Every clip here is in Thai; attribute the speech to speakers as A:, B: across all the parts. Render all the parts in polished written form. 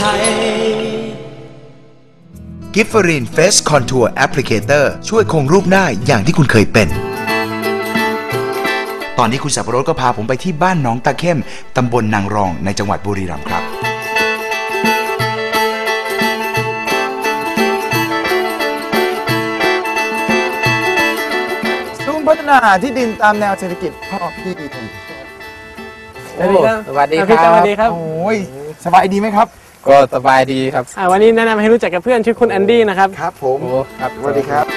A: กิฟเฟอรินเฟสคอนทัวร์แอปพลิเคเตอร์ช่วยคงรูปหน้าอย่างที่คุณเคยเป็นตอนนี้คุณสับปะรดก็พาผมไปที่บ้านหนองตะเข้มตำบลนางรองในจังหวัดบุรีรัมย์ครับ
B: ศูนย์พัฒนาที่ดินตามแนวเศรษฐกิจพอเพียง
C: สวัสดีครับสวัสดีครับ
B: สวัสดีครับโอ้ยสบายดีไหมครับ
C: ก็สบายดีครับ
D: วันนี้แนะนำให้รู้จักกับเพื่อนชื่อคุณแอนดี้นะครับ
B: ครับผมครับสวัสดีครับ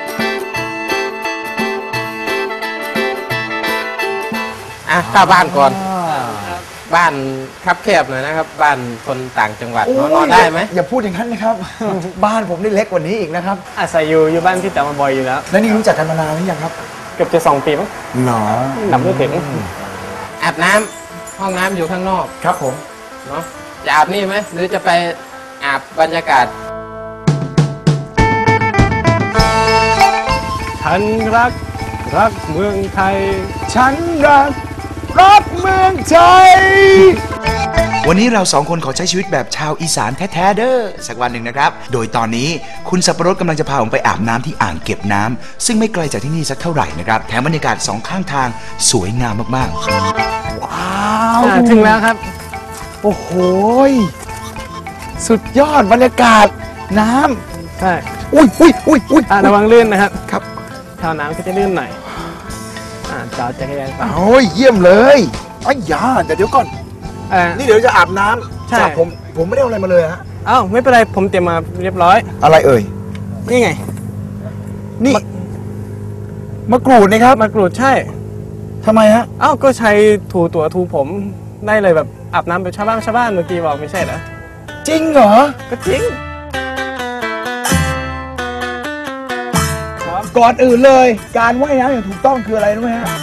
C: เข้าบ้านก่อนบ้านคับแคบหน่อยนะครับบ้านคนต่างจังหวัดนอนได้ไหม
B: อย่าพูดอย่างนั้นนะครับบ้านผมนี่เล็กกว่านี้อีกนะครับ
D: อาศัยอยู่บ้านพี่แต่มาบ่อยอยู่แล้ว
B: แล้วนี่รู้จักกันมานานหรือยังครับ
D: เกือบจะ2 ปีมั้ง
B: หรอ
D: นับไม่ถึง
C: อาบน้ำห้องน้ำอยู่ข้างนอก
B: ครับผม
C: เนาะจะอาบนี่ไหมหรือจะไปอาบบรรยากาศ
D: ฉันรักเมืองไทย
B: ฉันรักเมืองไทย
A: วันนี้เรา2 คนขอใช้ชีวิตแบบชาวอีสานแท้ๆเด้อสักวันหนึ่งนะครับโดยตอนนี้คุณสับปะรดกำลังจะพาผมไปอาบน้ำที่อ่างเก็บน้ำซึ่งไม่ไกลจากที่นี่สักเท่าไหร่นะครับแถมบรรยากาศ2 ข้างทางสวยงามมาก
B: ๆว้าว
D: ถึงแล้วครับ
B: โอ้โหสุดยอดบรรยากาศน้
D: ำใช่
B: อุ้ย
D: ระวังลื่นนะครับ
B: ครับ
D: ท่าน้ำก็จะลื่นหน่อยจอดจักรยาน
B: โอ้ยเยี่ยมเลยไอ้ยาแต่เดี๋ยวก่อนนี่เดี๋ยวจะอาบน้ำใช่ผมไม่ได้เอาอะไรมาเลยฮะ
D: อ้าวไม่เป็นไรผมเตรียมมาเรียบร้อย
B: อะไรเอ่ย
D: นี่ไง
B: นี่มะกรูดนะครับ
D: มะกรูดใช่
B: ทำไมฮะ
D: อ้าวก็ใช้ถูผมได้เลยแบบอาบน้ำแบบชาวบ้านเมื่อกี้บอกไม่ใช่เหรอ
B: จริงเหรอ
D: ก็จริง
B: ก่อนอื่นเลยการว่ายน้ำอย่างถูกต้องคืออะไรรู้ไหมฮะ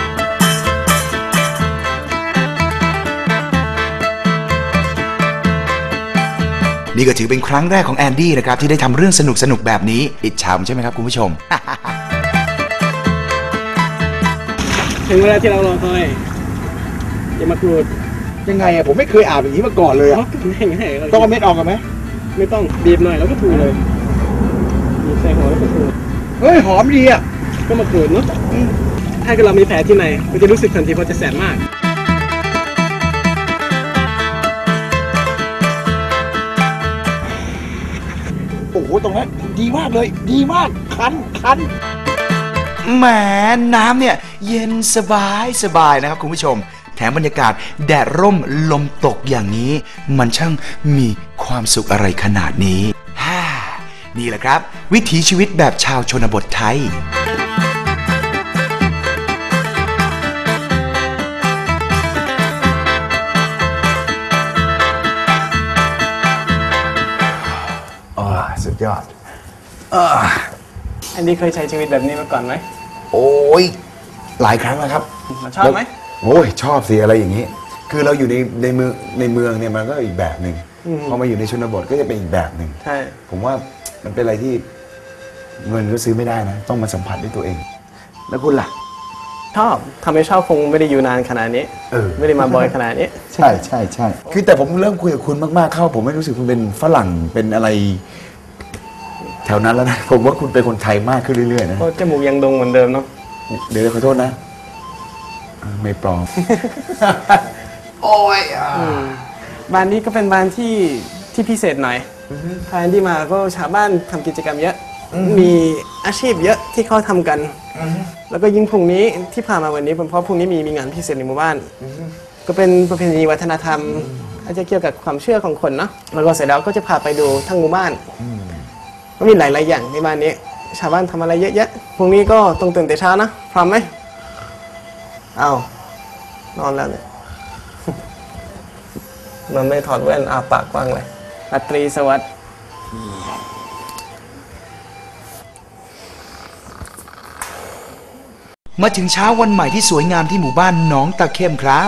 A: นี่ก็ถือเป็นครั้งแรกของแอนดี้นะครับที่ได้ทำเรื่องสนุกแบบนี้อิจฉาใช่ไหมครับคุณผู้ชม
D: ถึงเวลาที่เรารอคอยอย่ามากรูด
B: ยังไงอะผมไม่เคยอาบอย่างนี้มาก่อนเลยอะต้องเอาเม็ดออกกันไหม
D: ไม่ต้องบีบหน่อยแล้วก็ถูเลยบีบใส่หัวแล้วก็ถู
B: เฮ้ยหอมดีอะ
D: ก็มากรูดเนาะถ้าเกิดเรามีแผลที่ไหนมันจะรู้สึกทันทีเพราะจะแสบมาก
B: โอ้โหตรงนั้นดีมากเลยดีมากคัน
A: แหมน้ำเนี่ยเย็นสบายนะครับคุณผู้ชมแถมบรรยากาศแดดร่มลมตกอย่างนี้มันช่างมีความสุขอะไรขนาดนี้นี่แหละครับวิถีชีวิตแบบชาวชนบทไทย
B: สุดยอด
D: อันนี้เคยใช้ชีวิตแบบนี้มาก่อนไหม
B: โอ้ยหลายครั้งแล้วครับ
D: ชอบไหม
B: โอ้ยชอบสิอะไรอย่างนี้คือเราอยู่ในเมืองเนี่ยมันก็อีกแบบหนึ่งพอมาอยู่ในชนบทก็จะเป็นอีกแบบหนึ่ง
D: ใช่
B: ผมว่ามันเป็นอะไรที่เงินก็ซื้อไม่ได้นะต้องมาสัมผัสด้วยตัวเองแล้วคุณล่ะ
D: ชอบทำให้ชอบคงไม่ได้อยู่นานขนาดนี้ไม่ได้มาบ่อยขนาดนี้
B: ใช่คือแต่ผมเริ่มคุยกับคุณมากๆเข้าผมไม่รู้สึกคุณเป็นฝรั่งเป็นอะไรแถวนั้นแล้วนะผมว่าคุณเป็นคนไทยมากขึ้นเรื่อยๆนะ
D: จมูกยังดงเหมือนเดิมเนาะ
B: เดี๋ยวขอโทษนะไม่ปลอมโอ้ย
D: บ้านนี้ก็เป็นบ้านที่พิเศษหน่อยพาแอนดี้มาก็ชาวบ้านทำกิจกรรมเยอะมีอาชีพเยอะที่เขาทำกันแล้วก็ยิ่งพรุ่งนี้ที่พามาวันนี้เป็นเพราะพรุ่งนี้มีงานพิเศษในหมู่บ้านก็เป็นประเพณีวัฒนธรรมอาจจะเกี่ยวกับความเชื่อของคนเนาะแล้วก็เสร็จแล้วก็จะพาไปดูทั้งหมู่บ้านก็มีหลายๆอย่างในบ้านนี้ชาวบ้านทำอะไรเยอะๆพรุ่งนี้ก็ต้องตื่นแต่เช้านะพร้อมไหมเอานอนแล้วเนี่ยนอนไม่ถอดแว่นอาปากกว้างเลยราตรีสวัสดิ์
A: มาถึงเช้าวันใหม่ที่สวยงามที่หมู่บ้านหนองตะเข้มครับ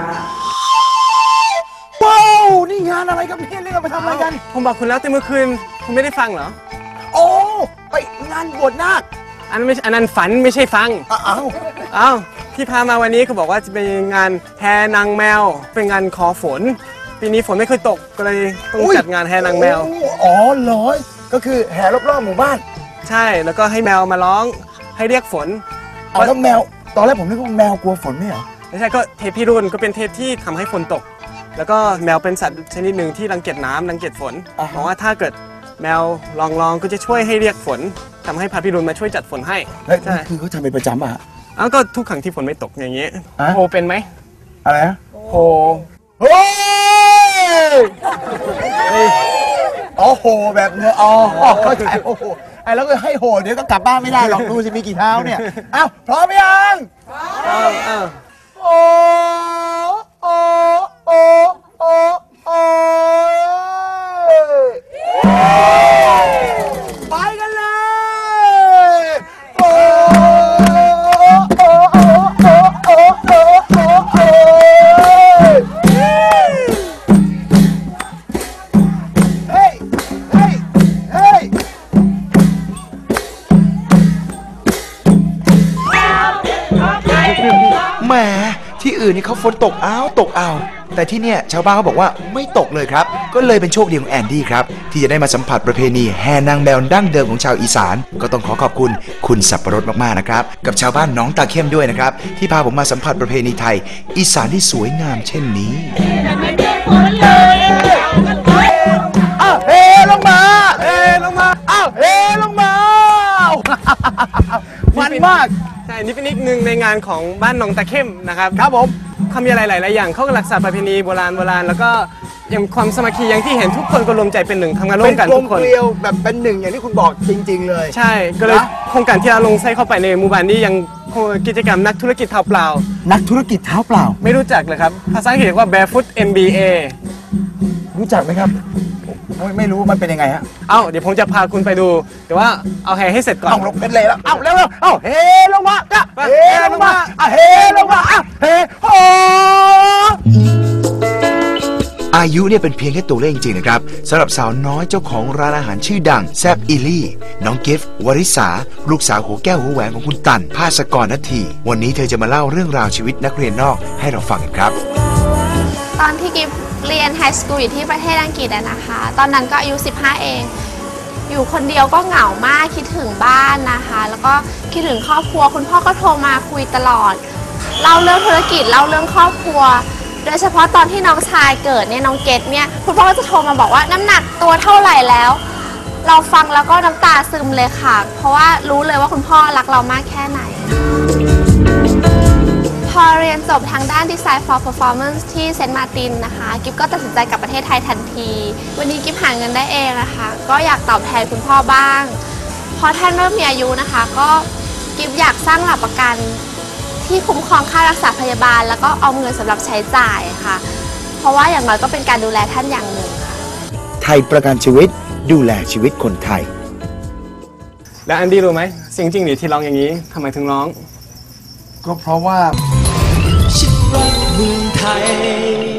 B: ว้าวนี่งานอะไรครับเนี่ยเรียกเราไปทำอะไรกัน
D: ผมบอกคุณแล้วแต่เมื่อคืนคุณไม่ได้ฟังเหรอ
B: โอ้ไปงานบวชนาค
D: อันนั้นไม่อันนั้นฝันไม่ใช่ฟัง
B: อ้าว
D: อ้าวที่พามาวันนี้เขาบอกว่าจะเป็นงานแห่นางแมว เป็นงานขอฝน ปีนี้ฝนไม่เคยตกก็เลยต้องจัดงานแห่นางแมว
B: อ๋อเหรอก็คือแห่รอบๆหมู่บ้าน
D: ใช่แล้วก็ให้แมวมาร้องให้เรียกฝน
B: เอาแล้วแมวตอนแรกผมนึกว่าแมวกลัวฝนไม่เหรอ
D: ไม่ใช่ก็เทพพิรุณก็เป็นเทพที่ทำให้ฝนตก แล้วก็แมวเป็นสัตว์ชนิดหนึ่งที่รังเกียจน้ำรังเกียจฝนเพราะว่าถ้าเกิดแมวลองก็จะช่วยให้เรียกฝนทำให้พระพิรุณมาช่วยจัดฝนให้
B: เฮ้ย
D: ใช่
B: คือเขาทำเป็นประจำอ่ะ
D: อ้าวก็ทุกครั้งที่ฝนไม่ตกอย่างนี้
B: อะ
D: โฮเป็นไหม
B: อะไรนะ
D: โฮ
B: โอ้ยอ๋อโหแบบเนื้ออ๋อเข้าใจโอ้โหไอ้แล้วก็ให้โหเดี๋ยวก็กลับบ้านไม่ได้หรอกดูสิมีกี่เท้าเนี่ยอ้าวพร้อมยัง
D: อ้าวอ้าว
B: โอ้โอ้โอ้โอ้โอ้ไปกันเลยโอ้โอ้โอ้โอ้โอ้โอ้โอ้โอ้เฮ้ยเฮ้ยเฮ้ย
A: แหมที่อื่นนี่เขาฝนตกตกเอาแต่ที่เนี่ยชาวบ้านเขาบอกว่าไม่ตกเลยครับก็เลยเป็นโชคดีของแอนดี้ครับที่จะได้มาสัมผัสประเพณีแห่นางแมวดั้งเดิมของชาวอีสานก็ต้องขอขอบคุณคุณสับปะรดมากๆนะครับกับชาวบ้านหนองตาเข้มด้วยนะครับที่พาผมมาสัมผัสประเพณีไทยอีสานที่สวยงามเช่นนี้
B: อ้าวเฮลงมาเฮลงมาอ้าวเฮลงมามันมาก
D: ใช่นี่เป็นอีกหนึ่งในงานของบ้านหนองตะเข้มนะครับ
B: ครับผม
D: เขามีอะไรหลายๆอย่างเขาก็รักษาประเพณีโบราณแล้วก็ยังความสามัคคีอย่างที่เห็นทุกคนก็รวมใจเป็นหนึ่งทำงานร่วมกัน
B: เป็นกล
D: ทุ
B: ม
D: กคน
B: เกลียวแบบเป็นหนึ่งอย่างที่คุณบอกจริง ๆ เลย
D: ใช่ก็เลย
B: นะ
D: โครงการที่เราลงใส่เข้าไปในหมู่บ้านนี้ยังกิจกรรมนักธุรกิจเท้าเปล่า
B: นักธุรกิจเท้าเปล่า
D: ไม่รู้จักเลยครับภาษาอังกฤษเรียกว่า barefoot MBA
B: รู้จักไหมครับไม่รู้มันเป็นยังไงฮะ
D: เอ้าเดี๋ยวผมจะพาคุณไปดู แต่ว่าเอาแห่ให้เสร็จก่อน
B: เอาลงเป็นเลยแล้วเอาเร็วๆเอาเฮลงมาอ่ะ
D: ไป
B: เฮลงมาอ่ะเฮลงมาอ่ะเฮโอ
A: อายุเนี่ยเป็นเพียงแค่ตัวเลขจริงๆนะครับสำหรับสาวน้อยเจ้าของร้านอาหารชื่อดังแซบอิลี่น้องกิฟต์วริษาลูกสาวหัวแก้วหัวแหวนของคุณตันภาสกรณฑีวันนี้เธอจะมาเล่าเรื่องราวชีวิตนักเรียนนอกให้เราฟังกันครับ
E: ตอนที่กิฟเรียนไฮสคูลอยู่ที่ประเทศอังกฤษนะคะ ตอนนั้นก็อายุ 15 เอง อยู่คนเดียวก็เหงามากคิดถึงบ้านนะคะ แล้วก็คิดถึงครอบครัวคุณพ่อก็โทรมาคุยตลอดเล่าเรื่องธุรกิจเล่าเรื่องครอบครัว โดยเฉพาะตอนที่น้องชายเกิดเนี่ยน้องเกดเนี่ยคุณพ่อก็จะโทรมาบอกว่าน้ำหนักตัวเท่าไหร่แล้ว เราฟังแล้วก็น้ำตาซึมเลยค่ะ เพราะว่ารู้เลยว่าคุณพ่อรักเรามากแค่ไหน พอเรียนจบทางด้าน Design for Performance ที่เซนต์มาร์ตินนะคะกิฟก็ตัดสินใจกลับประเทศไทยทันที วันนี้กิฟหาเงินได้เองนะคะก็อยากตอบแทนคุณพ่อบ้างพอท่านเริ่มมีอายุนะคะก็กิฟอยากสร้างหลักประกันที่คุ้มครองค่ารักษาพยาบาลแล้วก็เอาเงินสำหรับใช้จ่ายค่ะเพราะว่าอย่างน้อยก็เป็นการดูแลท่านอย่างหนึ่งค่ะ
B: ไทยประกันชีวิตดูแลชีวิตคนไทย
D: แล้วอันดี้รู้ไหมสิ่งจริงหรือที่ร้องอย่างนี้ทำไมถึงร้อง
B: ก็เพราะว่า
F: ฉันรักเมืองไทย